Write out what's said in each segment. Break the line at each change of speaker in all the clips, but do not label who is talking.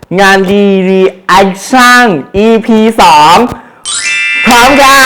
งานรีแอคชั่น EP 2 พร้อมค่ะ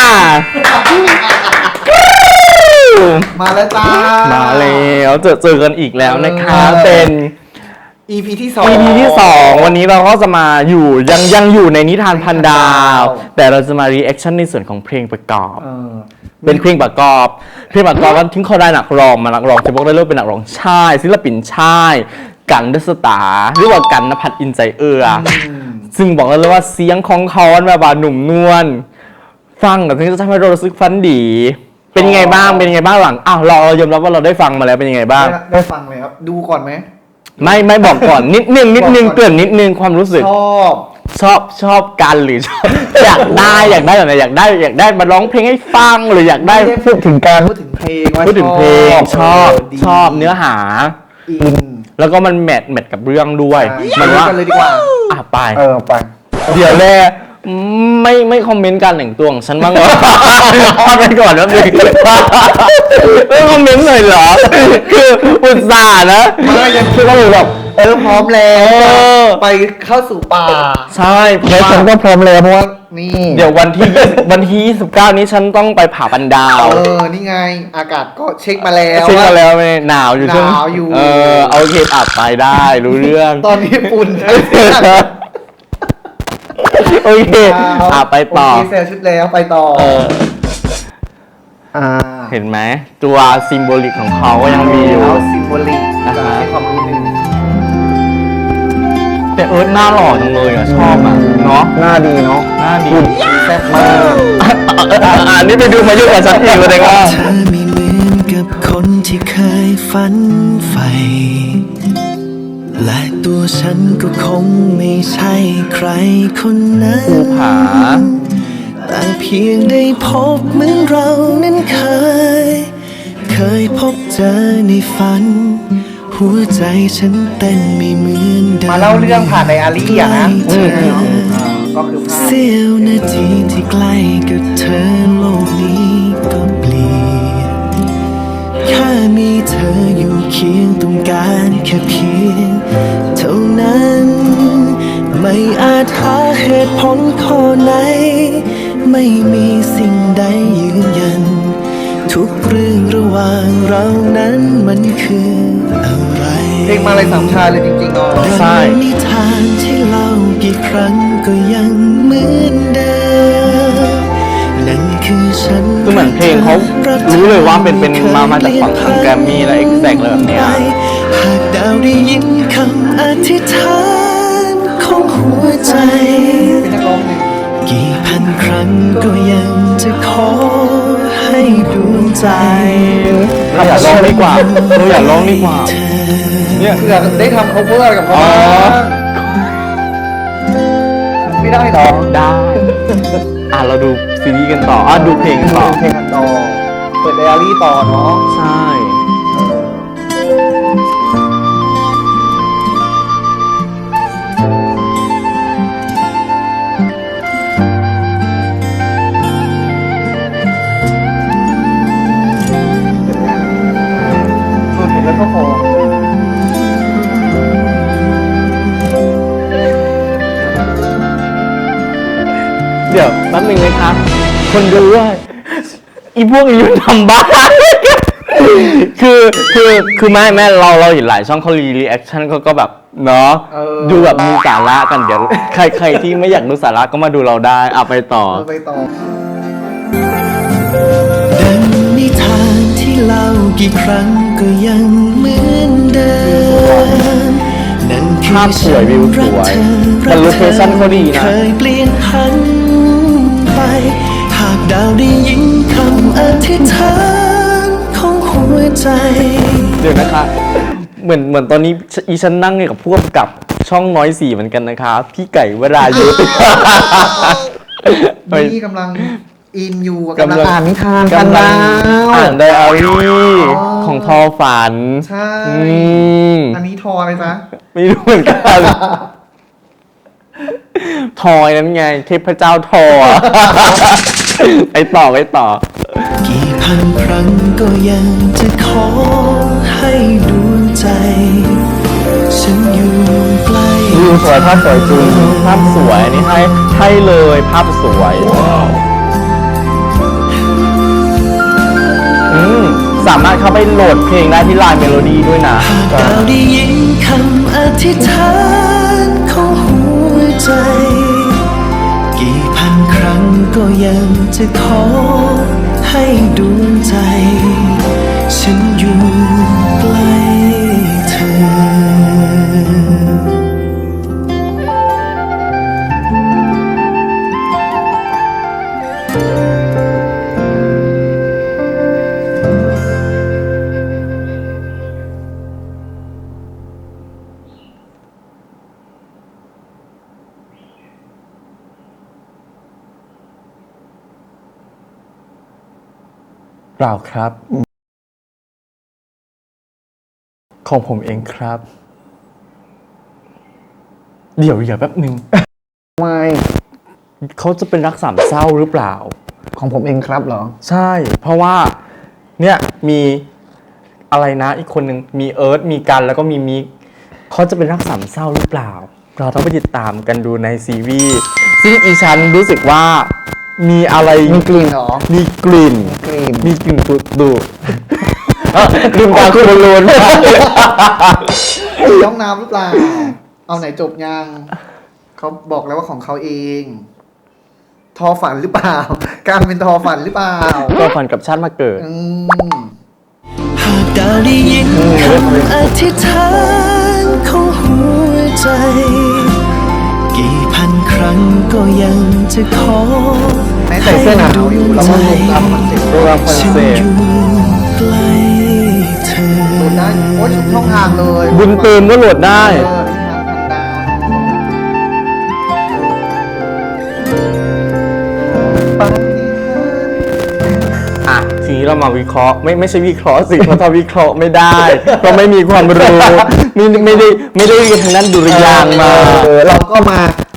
มาแล้วจ้า
มาแล้วเจอกันอีกแล้วนะคะเป็น
EP ที่
2วันนี้เราก็จะมาอยู่ยังอยู่ในนิทานพันดาวแต่เราจะมารีแอคชั่นในส่วนของเพลงประกอบเป็นเพลงประกอบก็ทิ้งเขาได้นักร้องจะบอกได้เลยเป็นนักร้องชายศิลปินชายกันเดสตาหรือว่ากันณภัทรอินใจเอื้อซึ่งบอกเลยว่าเสียงของเขาแบบว่าหนุ่มนวลฟังแล้วถึงจะทำให้เรารู้สึกฟันดีเป็นยังไงบ้างหลังเรายอมรับว่าเราได้ฟังมาแล้วเป็นยังไงบ้าง
ได้ฟังเลยครับดูก่อนไหม
ไม่บอกก่อนนิดนึงเกริ่นนิดนึงความรู้สึกชอบกันหรือชอบอยากได้แบบไหนอยากได้มาร้องเพลงให้ฟังหรืออยากได้
พูดถึงการพูดถึงเพลง
ชอบเนื้อหาแล้วก็มันแมทกับเรื่องด้วย
มันว่ากันเลยดีกว่า
ไป
ไป
เดี๋ยวแรกไม่คอมเมนต์การแต่งตัวของฉันบ้างเหรอไปก่อนแล้วนึงไม่คอมเมนต์หน่อยเหรอคืออุตส่าห์นะ
ไม่ยังคือก็เลยแบบพร้อมแล้วไปเข้าสู่ป่า
ใช่
แล้วฉันก็พร้อมแล้วเพราะว่านี่
เดี๋ยววันที่29นี้ฉันต้องไปผ่าปันดาว
นี่ไงอากาศก็เช็คมาแล้ว
ไม่หนาวอยู่
หนาวอยู่
เอาเคอัดไปได้รู้เรื่อง
ตอนนี้ฝุ่น
โอเคไปต่อ
เซลชุดแล้วไปต่อ
เห็นไหมตัวซิมโบลิกของเขาก็ยังมีอยู่
ซิมโบลิกให้ความรู้นึง
แต่หน้าหล่อจังเลยชอบเนาะ
หน้าดีเนาะ
หน้าดี
แซ่บมาก
นี่ไปดูมาเยอะกว่าฉันอีกเลยว่า
เธอไม่เหมือนกับคนที่เคยฝันใฝ่และตัวฉันก็คงไม่ใช่ใครคนนั้น
ภูผา
แต่เพียงได้พบเหมือนเรานั้นเคยพบเจอในฝันหัวใจฉันเต้นไม่เหมือนเดิม
มาเล่าเรื่องผ่านไดอารี่นะก็คือ
เสี้ยวนาทีที่ใกล้กับเธอโลกนี้ก็เปลี่ยนแค่มีเธออยู่เคียงต้องการแค่เพียงเท่านั้นไม่อาจหาเหตุผลข้อไหนไม่มีสิ่งใดยืนยันทุกเรื่องระหว่างเรานั้นมันคืออะไร
เพลงมาเลยสามชาเลยจริงๆ
ใช่
นิทานที่เล่ากี่ครั้งก็ยังเหมือนเดิมนั่นคือฉัน
คือเหมือนเพลงเขารู้เลยว่าเป็นมาจากฝั่งทางแกรมมี่และเอ็กแซกเลยแบบนี้
หากดาวได้ยินคำอธิษฐานของหัวใจกี่พันครั้งก็ยังจะขอให้ดวงใจ
อยากร้องดีกว่า
เนี่ยเพื่อได้ทำ cover กับเขาไม่ได้หรอ
ได้เราดูซีรีส์กันต่อดูเพลงกันต่อ
เปิดไดอารี่ต่อเนาะ
ใช่
แล้วก็พอ
เดี๋ยวแป๊บนึงนะครับคนดูว่าอีพวกนี้มันทำบ้าคือแม่เราเห็นหลายช่องเขารีแอคชั่นก็แบบเนาะดูแบบมีสาระกันเดี๋ยวใครที่ไม่อยากดูสาระก็มาดูเราได้ไปต่อ
ดังนิทานที่เล่ากี่ครั้งก็ยังเหมือนเดิมนั่นคือ
ภาพสวยวิวสวยแต่โลเคชั่นเขาดีนะ
เคยเปลี่ยนพันไปหากดาวได้ยินคำอธิษฐานของหัวใจ
เดี๋ยวนะคะเหมือนตอนนี้อีฉันนั่งกับพวกกับช่องน้อยสีเหมือนกันนะคะพี่ไก่วรายุทธ
นี่กำลังอินอยู่กำลังอ่านนิทาน
กันแล้วอ่านไดอารี่ของทอฝัน
ใช่อันนี้ทออะไรจ๊ะ
ไม่รู้เหมือนกันทอยนั้นไงเทพเจ้าทอไปต่อ
กี่พันครั้งก็ยังจะขอให้ดวงใจฉันอยู่ใกล้
สวยภาพสวยจริงภาพสวยอันนี้ให้เลยภาพสวยสามารถเข้าไปโหลดเพลงได้ที่ไลน์เมโลดี้ด้วยนะ
เราได้ยินคำอธิษฐานของหัวใจ กี่พันครั้งก็ยังจะขอให้ดวงใจ ฉันอยู่ใกล้เธอ
เปล่าครับ ของผมเองครับ เดี๋ยวแป๊บหนึ่ง
ไม่
เขาจะเป็นรักสามเศร้าหรือเปล่า
ของผมเองครับเหรอ
ใช่ เพราะว่าเนี่ยมีอะไรนะอีกคนหนึ่งมีเอิร์ธมีกันแล้วก็มีมิกเขาจะเป็นรักสามเศร้าหรือเปล่า เราต้องไปติดตามกันดูในซีรีส์ซึ่งอีฉันรู้สึกว่ามีอะไร
มีกลิ่นเหรอ
มีกลิ่น
กลิ่น
มีกลิ่นตุดดูลืมตาคุณบอลลูน
ห้องน้ำหรือเปล่า เอาไหนจบยังเขาบอกแล้วว่าของเขาเอง ทอฝันหรือเปล่า การเป็นทอฝันหรือเปล่า
ก็ฝันกับชาติมาเกิด
หากดาวได้ยินคำอธิษฐานของหัวใจ กี่พันครั้งก็ยังจะขอ
ไหนใส่เสื้อหนาวอยู่แล้วก็ลงตามคอนเซ็ปต์
โปรแกรมคอน
ฉัน
เซ็ป
อ
ต์
ยู่ใกล้เธอ
โหลดได้โอ้ยชุดช่องทางเลย
บุญเติมก็โหลดได้
เออที่ทางดาวปาฏิหาริย์
อ่ะทีนี้เรามาวิเคราะห์ไม่ใช่วิเคราะห์สิ เพราะถ้าวิเคราะห์ไม่ได้เราไม่มีความรู้ไม่ได้เรียนทางด้านดุริยางค์มา
เราก็มา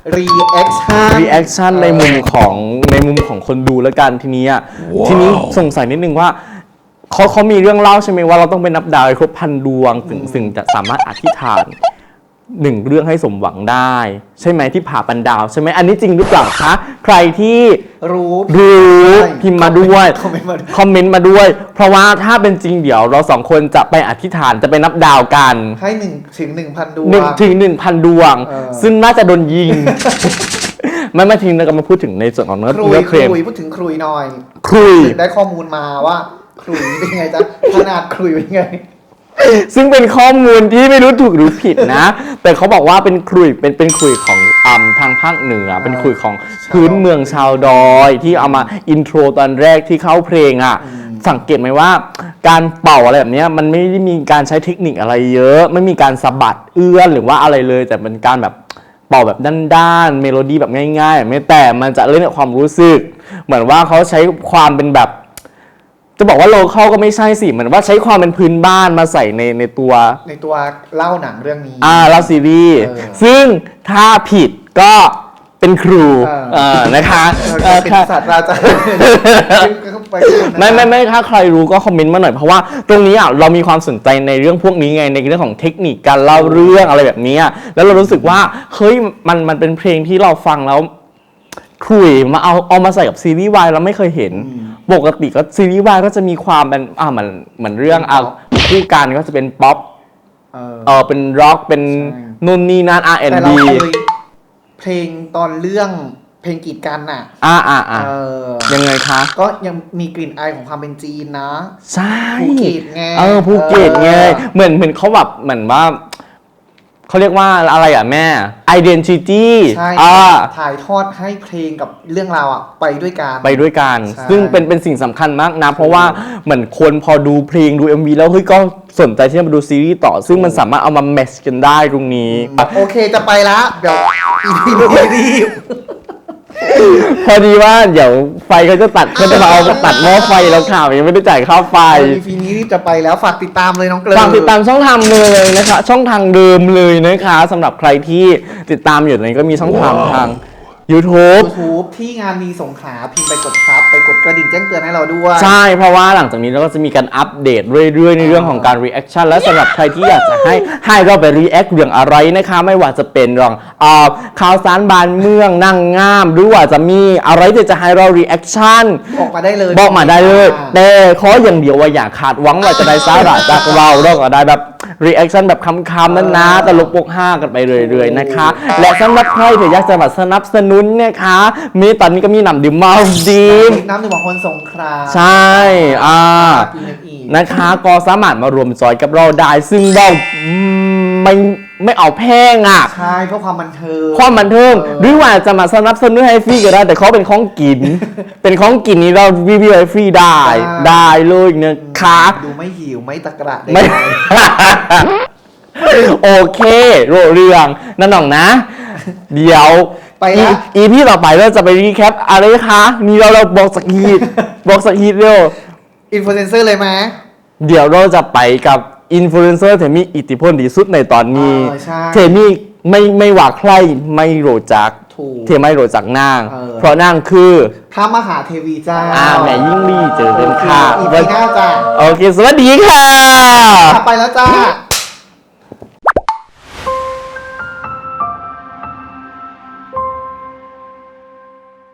reaction
รีแอคชั่นในมุมของคนดูแล้วกันทีนี้ทีนี้สงสัยนิดนึงว่าเขามีเรื่องเล่าใช่ไหมว่าเราต้องไปนับดาวให้ครบพันดวงถึงจะสามารถอธิษฐานหนึ่งเรื่องให้สมหวังได้ ใช่ไหมที่ผ่าปันดาวใช่ไหมอันนี้จริงหรือเปล่าคะใครที่
รู้
พิมพ์มาด้วย
คอมเมนต์มาด้วย
คอมเมนต์มาด้วย เพราะว่าถ้าเป็นจริงเดี๋ยวเราสองคนจะไปอธิษฐานจะไปนับดาวกัน
ให้1 ถึง 1,000 ดวง
1,000 ดวง ซึ่งน่าจะโดนยิง ไม่ทิ้งเราก็มาพูดถึงในส่วนของเนื้อ
ครุย
เคลม
พูดถึงครุยหน่อย
ครุย
ได้ข้อมูลมาว่าครุยเป็นไงจ๊ะขนาดครุยเป็นไง
ซึ่งเป็นข้อมูลที่ไม่รู้ถูกหรือผิดนะ แต่เขาบอกว่าเป็นขลุ่ยเป็นขลุ่ยของทางภาคเหนือ เป็นขลุ่ยของพื้นเมืองชาวดอยที่เอามาอินโทรตอนแรกที่เข้าเพลงอ่ะ สังเกตไหมว่าการเป่าอะไรแบบเนี้ยมันไม่ได้มีการใช้เทคนิคอะไรเยอะ ไม่มีการสะบัดเอื้อนหรือว่าอะไรเลย แต่เป็นการแบบเป่าแบบด้านๆเมโลดี้แบบง่ายๆไม่แต่มันจะเล่นกับความรู้สึก เหมือนว่าเขาใช้ความเป็นแบบ จะบอกว่าโลคอลก็ไม่ใช่สิเหมือนว่าใช้ความเป็นพื้นบ้านมาใส่ในตัว
ในตัวเล่าหนังเรื่องนี้
เล่าซีรีส์
เออ
ซึ่งถ้าผิดก็เป็นครู นะคะ
เป็น
ค่ะ
ศาสตราจารย์ไป
ไม่ถ้าใครรู้ก็คอมเมนต์มาหน่อยเพราะว่าตรงนี้เรามีความสนใจในเรื่องพวกนี้ไงในเรื่องของเทคนิคการเล่าเรื่องอะไรแบบนี้แล้วเรารู้สึกว่าเฮ้ยมันเป็นเพลงที่เราฟังแล้วคุยมาเอามาใส่กับซีรีส์วายเราไม่เคยเห็น ปกติก็ซีรีส์วายก็จะมีความเป็นเหมือนเรื่องคู่กันก็จะเป็นป๊อปเป็นร็อกเป็น
ใช่
นู่นนี่นั่น
แต่
R&B
เราเคยเพลงตอนเรื่องเพลงกีดกันน่ะ
ยังไงคะ
ก็ยังมีกลิ่นอายของความเป็นจีนนะ
ใช่
ภูเก็ตไง
ภูเก็ตไงเหมือนเขาแบบเหมือนว่าเขาเรียกว่าอะไรอ่ะแม่ identity
ใช่ถ่ายทอดให้เพลงกับเรื่องราวอ่ะไปด้วยกัน
ไปด้วยกัน
ใช่
ซึ่งเป็นสิ่งสำคัญมากนะ เพราะว่าเหมือนคนพอดูเพลงดู MV แล้วเฮ้ยก็สนใจที่จะมาดูซีรีส์ต่อ ซึ่งมันสามารถเอามาแมทช์กันได้ตรงนี้
โอเคจะไปละเดี๋ยวอีพีนี้รีบ
พอดีว่าเดี๋ยวไฟเขาจะตัดเขาจะมาเอาตัดหม้อไฟแล้วค่ะยังไม่ได้จ่ายค่าไฟ
อีพีนี้รีบจะไปแล้วฝากติดตามเลยน้องเกลือ
ฝากติดตามช่องทางเลยนะคะช่องทางเดิมเลยนะคะสำหรับใครที่ติดตามอยู่ตอนนี้ก็มีช่องทาง YouTube
YouTube ที่งานมีสงขลาพิมพ์ไปกดซับไปกดกระดิ่งแจ้งเตือนให้เราด้วย
ใช่ เพราะว่าหลังจากนี้เราก็จะมีการอัปเดตเรื่อยๆในเรื่องของการ reaction และสำหรับใครที่อยากจะให้เราไป react เรื่องอะไรนะคะ ไม่ว่าจะเป็นเรื่องข่าวสารบ้านเมืองนั่งงามหรือว่าจะมีอะไรที่จะให้เรา reaction
บอกมาได้เลย
บอกมาได้เลย แต่ขออย่างเดียวว่าอย่าขาดหวังว่าจะได้สาระจากเราก็ได้แบบ reaction แบบคำๆนั้นนะตลกปกห้ากันไปเรื่อยๆนะคะ และสำหรับใครที่อยากจะมาสนับสนุนนะคะมีตอนนี้ก็มีหนำดื่มมาดีม
น้ำหนึ่งของคนสงขลา
ใช่
พิมพ์อีก
นะคะก็สามารถมารวมจอยกับเราได้ ซึ่งเราไม่เอาแพงอ่ะ
ใช่เพื่อความบันเทิง
ความบันเทิงหรือว่าจะมาสนับสนุนให้ฟรีก็ได้ แต่เขาเป็นของกิน เป็นของกินนี่เรารีวิวให้ฟรีได้เลยนะคะ
ดูไม่หิวไม่ตะกระ
ไม่ โอเคโรเรื่องนั่นหน่องนะ เดี๋ยว
ไปละ
อีพี่ต่อไปเราจะไปรีแคปอะไรคะนี่เราบอกสักทีบอกสักทีเร็ว
อินฟลูเอนเซอร์เลยไหม
เดี๋ยวเราจะไปกับอินฟลูเอนเซอร์ที่มีอิทธิพลที่สุดในตอนนี้
ใช่
เทมี่ไม่ว่าใครไม่รู้จัก
ถูก
เทไม่รู้จักนาง
เออ
เพราะนางคือ
พระมหาเทวีเจ้า
แม่ยิ่งลี่เจอเดินค่ะ
อีพีหน้าจ้า
โอเค สวัสดีค่ะ
ไปแล้วจ้า